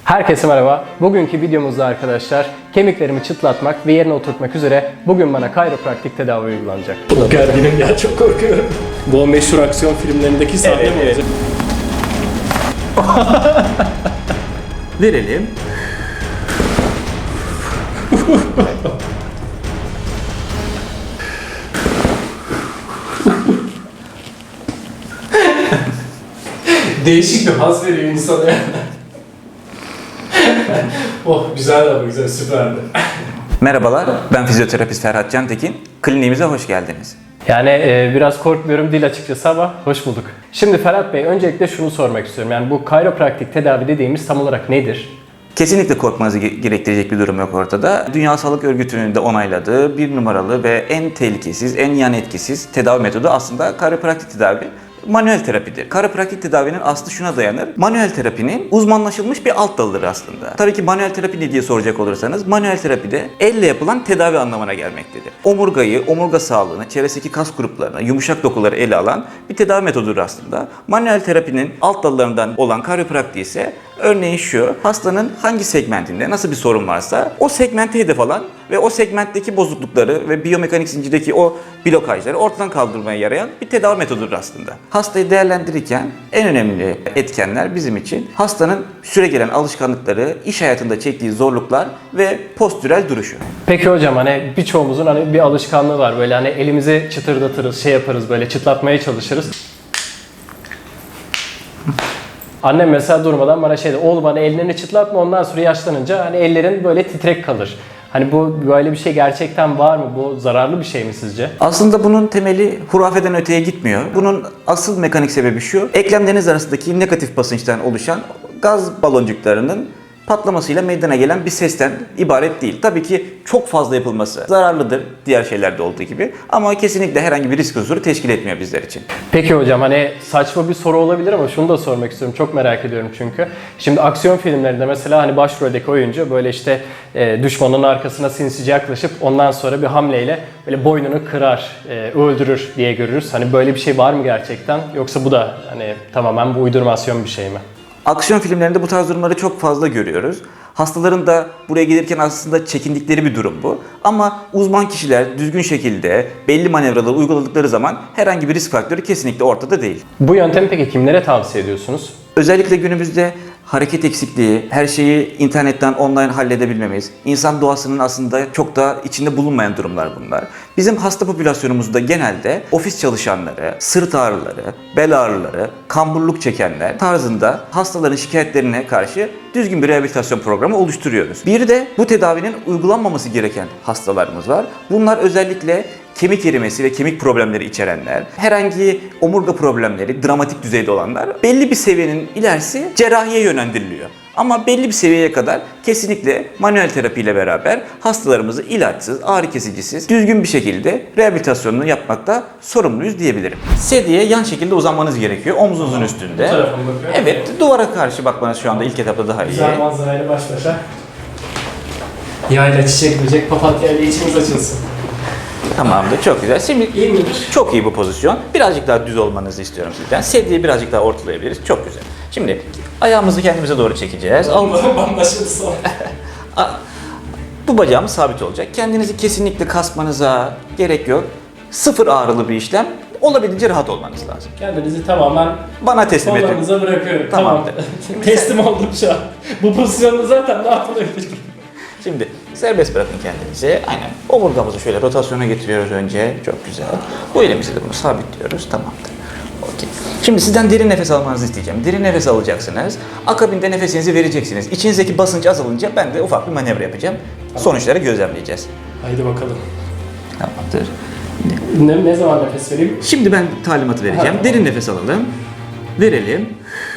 Herkese merhaba. Bugünkü videomuzda arkadaşlar kemiklerimi çıtlatmak ve yerine oturtmak üzere bugün bana kayropraktik tedavi uygulanacak. Çok gerginim ya, çok korkuyorum. Bu o meşhur aksiyon filmlerindeki sahne mi olacak? Verelim. Değişik bir haz veriyor insana ya. Oh güzel abi, güzel, süperdi. Merhabalar, ben fizyoterapist Ferhat Cantekin. Kliniğimize hoş geldiniz. Yani biraz korkmuyorum değil açıkçası ama hoş bulduk. Şimdi Ferhat Bey öncelikle şunu sormak istiyorum. Yani bu kayropraktik tedavi dediğimiz tam olarak nedir? Kesinlikle korkmanızı gerektirecek bir durum yok ortada. Dünya Sağlık Örgütü'nün de onayladığı bir numaralı ve en tehlikesiz, en yan etkisiz tedavi metodu aslında kayropraktik tedavi. Manuel terapidir. Kayropraktik tedavinin aslı şuna dayanır. Manuel terapinin uzmanlaşılmış bir alt dalıdır aslında. Tabii ki manuel terapi ne diye soracak olursanız, manuel terapide elle yapılan tedavi anlamına gelmektedir. Omurgayı, omurga sağlığını, çevresindeki kas gruplarını, yumuşak dokuları ele alan bir tedavi metodudur aslında. Manuel terapinin alt dallarından olan kayropraktik ise örneğin şu, hastanın hangi segmentinde nasıl bir sorun varsa o segmente hedef alan ve o segmentteki bozuklukları ve biyomekanik zincirdeki o blokajları ortadan kaldırmaya yarayan bir tedavi metodudur aslında. Hastayı değerlendirirken en önemli etkenler bizim için hastanın süregelen alışkanlıkları, iş hayatında çektiği zorluklar ve postürel duruşu. Peki hocam hani birçoğumuzun hani bir alışkanlığı var böyle hani elimizi çıtırdatırız, şey yaparız böyle çıtlatmaya çalışırız. Annem mesela durmadan bana şey dedi, oğlum hani ellerini çıtlatma ondan sonra yaşlanınca hani ellerin böyle titrek kalır. Hani bu böyle bir şey gerçekten var mı? Bu zararlı bir şey mi sizce? Aslında bunun temeli hurafeden öteye gitmiyor. Bunun asıl mekanik sebebi şu, eklemleriniz arasındaki negatif basınçtan oluşan gaz baloncuklarının patlamasıyla meydana gelen bir sesten ibaret değil. Tabii ki çok fazla yapılması zararlıdır diğer şeylerde olduğu gibi ama kesinlikle herhangi bir risk unsuru teşkil etmiyor bizler için. Peki hocam hani saçma bir soru olabilir ama şunu da sormak istiyorum. Çok merak ediyorum çünkü. Şimdi aksiyon filmlerinde mesela hani başroldeki oyuncu böyle işte düşmanın arkasına sinsice yaklaşıp ondan sonra bir hamleyle böyle boynunu kırar, öldürür diye görürüz. Hani böyle bir şey var mı gerçekten? Yoksa bu da hani tamamen bu uydurmasyon bir şey mi? Aksiyon filmlerinde bu tarz durumları çok fazla görüyoruz. Hastaların da buraya gelirken aslında çekindikleri bir durum bu. Ama uzman kişiler düzgün şekilde belli manevraları uyguladıkları zaman herhangi bir risk faktörü kesinlikle ortada değil. Bu yöntemi peki kimlere tavsiye ediyorsunuz? Özellikle günümüzde hareket eksikliği, her şeyi internetten online halledebilmemiz, insan doğasının aslında çok da içinde bulunmayan durumlar bunlar. Bizim hasta popülasyonumuzda genelde ofis çalışanları, sırt ağrıları, bel ağrıları, kamburluk çekenler tarzında hastaların şikayetlerine karşı düzgün bir rehabilitasyon programı oluşturuyoruz. Bir de bu tedavinin uygulanmaması gereken hastalarımız var. Bunlar özellikle kemik erimesi ve kemik problemleri içerenler, herhangi omurga problemleri dramatik düzeyde olanlar belli bir seviyenin ilerisi cerrahiye yönlendiriliyor. Ama belli bir seviyeye kadar kesinlikle manuel terapiyle beraber hastalarımızı ilaçsız, ağrı kesicisiz, düzgün bir şekilde rehabilitasyonunu yapmakta sorumluyuz diyebilirim. Sedyeye yan şekilde uzanmanız gerekiyor, omzunuzun üstünde. Bu tarafa mı bakıyorum? Evet, duvara karşı bakmanız şu anda ilk etapta daha iyi. Güzel manzarayla baş başa. Yayla, çiçek, böcek, papatya ile içimiz açılsın. Tamamdır, çok güzel. Şimdi İyi midir? çok iyi bu pozisyon. Birazcık daha düz olmanızı istiyorum sizden. Sedyeyi birazcık daha ortalayabiliriz. Çok güzel. Şimdi ayağımızı kendimize doğru çekeceğiz. Anlaşıldı sonra. Bu bacağımız sabit olacak. Kendinizi kesinlikle kasmanıza gerek yok. Sıfır ağrılı bir işlem. Olabildiğince rahat olmanız lazım. Kendinizi tamamen Bana teslim edin. kollarınıza bırakıyorum. Tamamdır. Tamam. Teslim oldum şu an. Bu pozisyonda zaten ne yapılabilir? Şimdi serbest bırakın kendinizi. Aynen. Omurgamızı şöyle rotasyona getiriyoruz önce. Çok güzel. Bu elimizle de bunu sabitliyoruz. Tamamdır. Okey. Şimdi sizden derin nefes almanızı isteyeceğim. Derin nefes alacaksınız. Akabinde nefesinizi vereceksiniz. İçinizdeki basınç azalınca ben de ufak bir manevra yapacağım. Sonuçları gözlemleyeceğiz. Haydi bakalım. Tamamdır. Ne zaman nefes vereyim? Şimdi ben talimatı vereceğim. Derin nefes alalım. Verelim.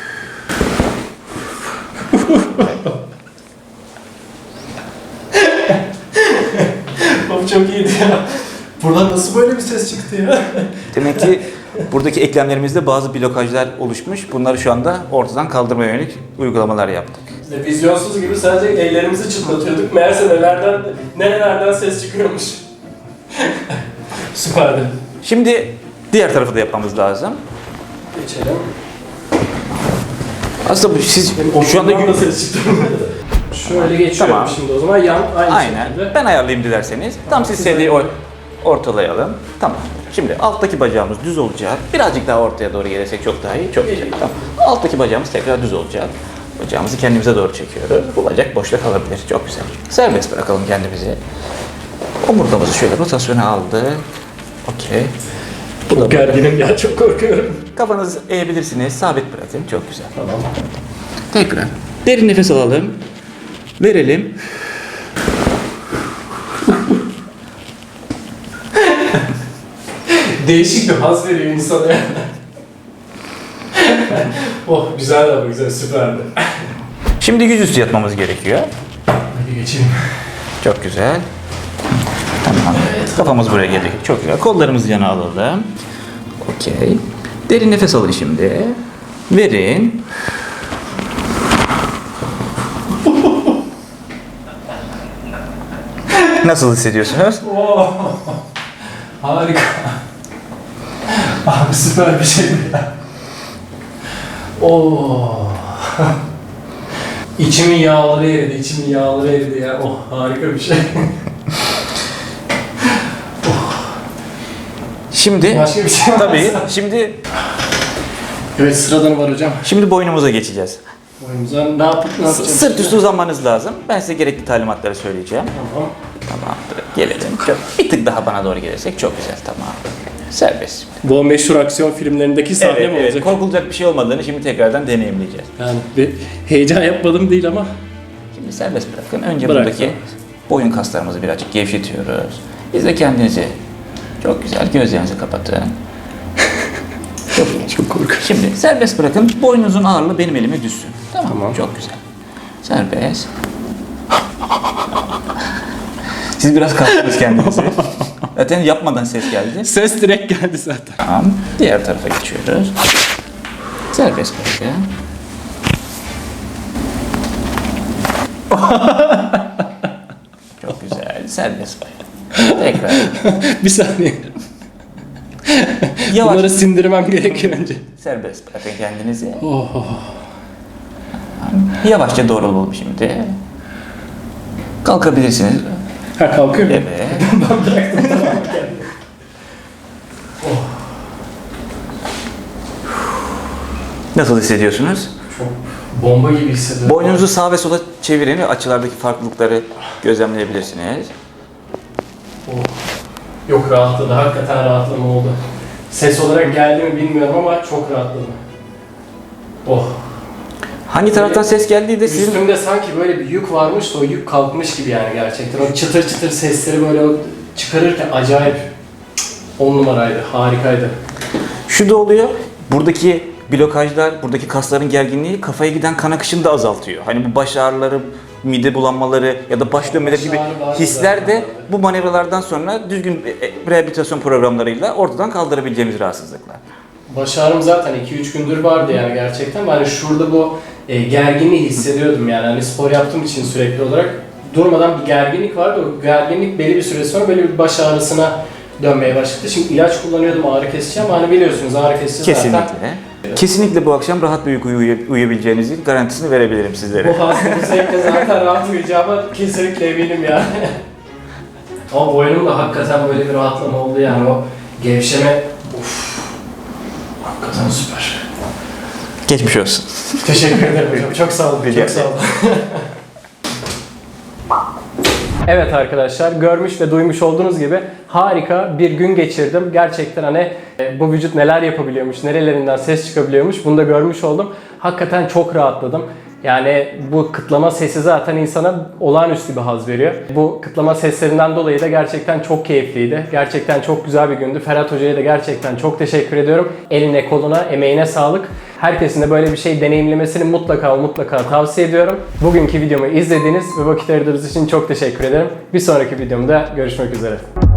Of çok iyiydi ya. Buradan nasıl böyle bir ses çıktı ya? Demek ki buradaki eklemlerimizde bazı blokajlar oluşmuş. Bunları şu anda ortadan kaldırmaya yönelik uygulamalar yaptık. Biz de vizyonsuz gibi sadece ellerimizi çıtlatıyorduk. Meğerse nerelerden ses çıkıyormuş. Süperdi. Şimdi diğer tarafı da yapmamız lazım. Geçelim. Aslında bu siz şu anda Oturumdan da ses çıktı. Şöyle geçiyorum Tamam. şimdi o zaman yan aynı aynen. şekilde. Ben ayarlayayım dilerseniz. Tam siz sevdiği ortalayalım. Tamam. Şimdi alttaki bacağımız düz olacak. Birazcık daha ortaya doğru gelirsek çok daha iyi. Çok güzel. Tamam. Alttaki bacağımız tekrar düz olacak. Bacağımızı kendimize doğru çekiyoruz. Bu bacak boşta kalabilir. Çok güzel. Serbest bırakalım kendimizi. Omurgamızı şöyle rotasyona aldı. Okey. Çok gerginim ya, çok korkuyorum. Kafanızı eğebilirsiniz. Sabit bırakın. Çok güzel. Tamam. Tekrar. Derin nefes alalım. Verelim. Değişik bir haz veriyor insana ya. Oh güzel ama güzel, süperdi. Şimdi yüzüstü yatmamız gerekiyor. Hadi geçelim. Çok güzel. Tamam. Kafamız buraya gelecek. Çok güzel. Kollarımızı yana alalım. Okey. Derin nefes alın şimdi. Verin. Nasıl hissediyorsunuz? Oh, harika. Abi süper bir şeydi ya. Oh. İçimin yağları eridi, ya. Oh, harika bir şey. Şimdi Başka bir şey var mı? tabii şimdi Evet, sıradan var hocam. boynumuza geçeceğiz. Boyumuza ne yapacağız? Sırt üstü uzanmanız lazım. Ben size gerekli talimatları söyleyeceğim. Tamam. Tamamdır. Gelelim. Bir tık daha bana doğru gelirsek çok güzel. Tamam. Serbest. Bu meşhur aksiyon filmlerindeki sahne mi olacak? Korkulacak bir şey olmadığını şimdi tekrardan deneyimleyeceğiz. Yani bir heyecan yapmadım değil ama. Şimdi serbest bırakın. Önce Bırak. buradaki boyun kaslarımızı birazcık gevşetiyoruz. Biz de kendinizi çok güzel gözlerinizi kapatın. Çok iyi. Çok korkuyorum. Şimdi serbest bırakın. Boynunuzun ağırlığı benim elime düşsün. Tamam. Çok güzel. Serbest. Siz biraz kastınız kendinizi. Zaten yapmadan ses geldi. Ses direkt geldi zaten. Tamam. Diğer tarafa geçiyoruz. Serbest bırakın. Çok güzel. Serbest bırakın. Tekrar. Bir saniye. Yavaş. Bunları sindirmem gerekiyor önce. Serbest bırakın kendinizi. Oh. Yavaşça doğrulalım şimdi. Kalkabilirsiniz. Ha, kalkıyor mu? Evet. Ben bıraktım, tamam kendimi. Nasıl hissediyorsunuz? Çok bomba gibi hissediyorum. Boynunuzu sağa ve sola çevirin ve açılardaki farklılıkları gözlemleyebilirsiniz. Oh. Yok, rahatladı. Hakikaten rahatlama oldu. Ses olarak geldi mi bilmiyorum ama çok rahatladım. Oh. Hangi taraftan ses geldiği de sizin... Üstümde sanki böyle bir yük varmış da o yük kalkmış gibi yani gerçekten. O çıtır çıtır sesleri böyle çıkarırken acayip 10 numaraydı, harikaydı. Şu da oluyor. Buradaki blokajlar, buradaki kasların gerginliği kafaya giden kan akışını da azaltıyor. Hani bu baş ağrıları, mide bulanmaları ya da baş dönmeleri gibi Baş ağrı vardı hisler de zaten. bu manevralardan sonra düzgün rehabilitasyon programlarıyla ortadan kaldırabileceğimiz rahatsızlıklar. Baş ağrım zaten 2-3 gündür vardı yani gerçekten. Ben şurada bu gerginliği hissediyordum yani. Hani spor yaptığım için sürekli olarak durmadan bir gerginlik vardı. O gerginlik belli bir süre sonra böyle bir baş ağrısına dönmeye başladı. Şimdi ilaç kullanıyordum, ağrı kesici, ama hani biliyorsunuz ağrı kesici zaten. Kesinlikle. Kesinlikle bu akşam rahat bir uyku uyuyabileceğinizin garantisini verebilirim sizlere. Bu hastanın zevkle zaten rahat uyuyacağıma kesinlikle eminim yani. Ama boynumda hakikaten böyle bir rahatlama oldu yani, o gevşeme. Uf. Hakikaten süper. Geçmiş olsun. Teşekkür ederim hocam. Çok sağ olun. Rica Çok sağ olun. Evet arkadaşlar, görmüş ve duymuş olduğunuz gibi harika bir gün geçirdim. Gerçekten hani bu vücut neler yapabiliyormuş, nerelerinden ses çıkabiliyormuş, bunu da görmüş oldum. Hakikaten çok rahatladım. Yani bu kıtlama sesi zaten insana olağanüstü bir haz veriyor. Bu kıtlama seslerinden dolayı da gerçekten çok keyifliydi. Gerçekten çok güzel bir gündü. Ferhat Hoca'ya da gerçekten çok teşekkür ediyorum. Eline, koluna, emeğine sağlık. Herkesin de böyle bir şey deneyimlemesini mutlaka tavsiye ediyorum. Bugünkü videomu izlediğiniz ve vakit ayırdığınız için çok teşekkür ederim. Bir sonraki videomda görüşmek üzere.